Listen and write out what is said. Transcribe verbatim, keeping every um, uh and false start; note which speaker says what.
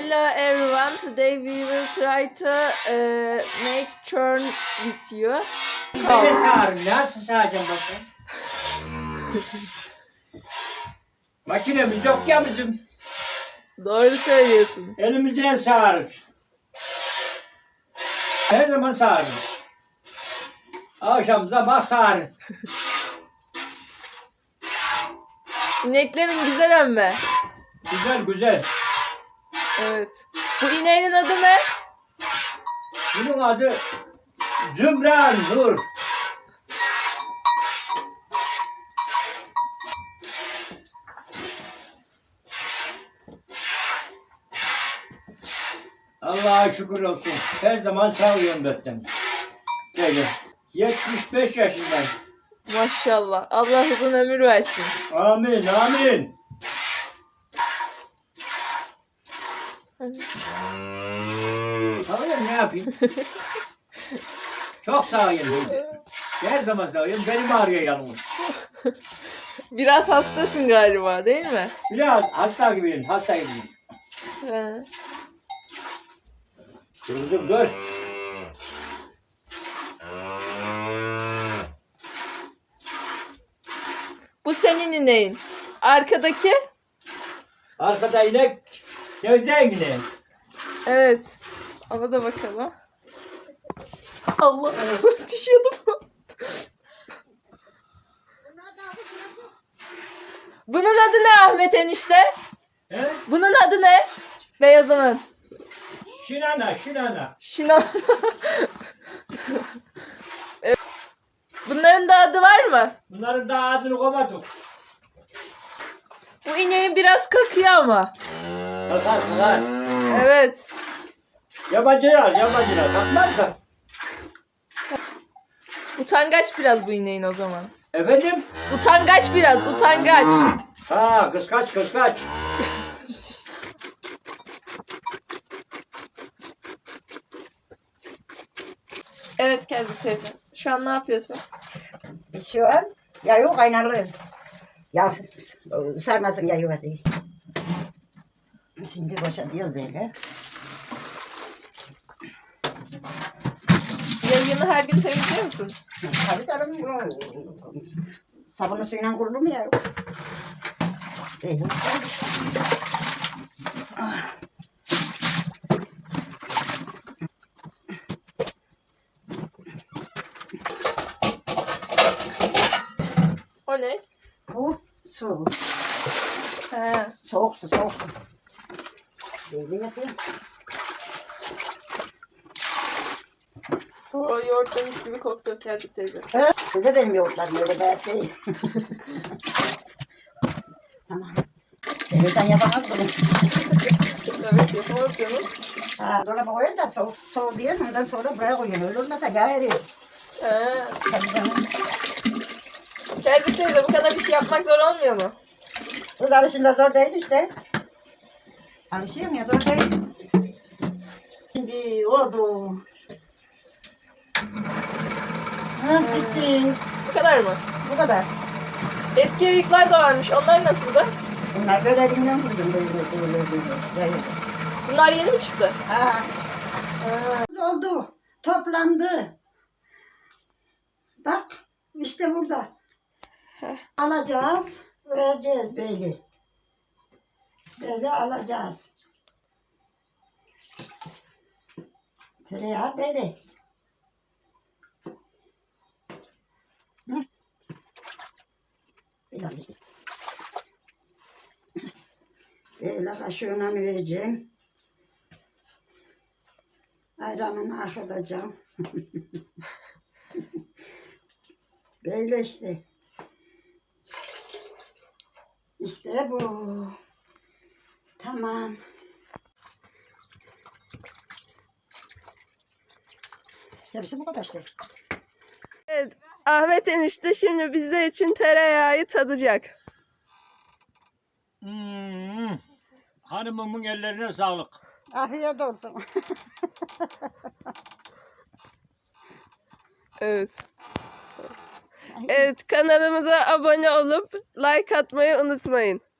Speaker 1: Hello everyone, today we will try to uh, make churn with you.
Speaker 2: Beni sağırın. Nasıl sağacağım bakayım? Makinemiz yok ya bizim.
Speaker 1: Doğru söylüyorsun.
Speaker 2: Elimizden sağarız. Her zaman sağarız. Akşam sabah sağarız.
Speaker 1: İneklerin güzel emme.
Speaker 2: Güzel güzel.
Speaker 1: Evet. Bu ineğin adı ne?
Speaker 2: Bunun adı Zümra Nur. Allah'a şükür olsun. Her zaman sağlıyorum zaten. Böyle. yetmiş beş yaşındayım.
Speaker 1: Maşallah. Allah uzun ömür versin.
Speaker 2: Amin, amin. Sağlıyorum, ne yapayım? Çok sağlıyorum. Her zaman sağlıyorum. Benim ağrıyor yanımız.
Speaker 1: Biraz hastasın galiba, değil mi?
Speaker 2: Biraz hasta gibiyim, hasta gibiyim.
Speaker 1: He.
Speaker 2: Dur, dur.
Speaker 1: Bu senin ineğin. Arkadaki?
Speaker 2: Arkada inek, gözden inek.
Speaker 1: Evet. Ona da bakalım. Allah. Düşüyordum. Bunun adı ne Ahmet enişte?
Speaker 2: He?
Speaker 1: Bunun adı ne? Beyazının.
Speaker 2: Şinana, şinana.
Speaker 1: Şinan. Evet. Bunların da adı var mı?
Speaker 2: Bunların daha adını koymadık.
Speaker 1: Bu ineğin biraz kakıyor ama.
Speaker 2: Sakar, sakar.
Speaker 1: Evet.
Speaker 2: Yabancılar, yabancılar. Bakmaz da.
Speaker 1: Utangaç biraz bu ineğin o zaman.
Speaker 2: Efendim?
Speaker 1: Utangaç biraz, utangaç.
Speaker 2: Ha, kıskaç, kıskaç.
Speaker 1: Evet Kelbi teyze. Şu an ne yapıyorsun?
Speaker 3: Şu an yağı kaynarlı. Ya sarmasın yağı hadi. Şimdi boşaltıyoruz böyle.
Speaker 1: Yayını her gün temizliyor musun?
Speaker 3: Tabii canım. Sabunlu suyla kurulur mu ya? Böyle.
Speaker 1: O ne?
Speaker 3: Bu su.
Speaker 1: He.
Speaker 3: Soğuk su, soğuk su. Böyle yapıyorum.
Speaker 1: O yoğurtla mis gibi koktu Kelbi teyze.
Speaker 3: Evet. Size benim yoğurtlarım öyle gayet değil. Tamam. Sen yapamaz bunu.
Speaker 1: Evet yapamaz canım.
Speaker 3: Ha, dolaba koyun da soğuk, soğuk diye ondan sonra buraya koyun. Öyle olmasa yağ eriyor.
Speaker 1: He.
Speaker 3: Tabii canım.
Speaker 1: Kelbi teyze bu kadar iş yapmak zor olmuyor mu?
Speaker 3: Kız alışınca zor değil işte. Alışıyorum ya zor değil. Şimdi oldu. Ha bitti.
Speaker 1: Bu kadar mı?
Speaker 3: Bu kadar.
Speaker 1: Eski yayıklar da varmış. Onlar nasıldı?
Speaker 3: Bunlar böyle elinden vurdum böyle böyle böyle. böyle.
Speaker 1: Bunlar yeni mi çıktı?
Speaker 3: Ha.
Speaker 1: Ha.
Speaker 3: Oldu. Toplandı. Bak işte burada. Alacağız. Vereceğiz böyle. Böyle alacağız. Tereyağı böyle. Hı? Böyle al işte. Böyle kaşığına vereceğim. Ayranını akıtacağım. Böyle işte. İşte bu. Tamam. Hepsi bu kadar işte.
Speaker 1: Evet. Ahmet enişte şimdi bizler için tereyağı tadacak.
Speaker 2: Hmm. Hanımımın ellerine sağlık.
Speaker 3: Afiyet olsun.
Speaker 1: Evet. Evet kanalımıza abone olup like atmayı unutmayın.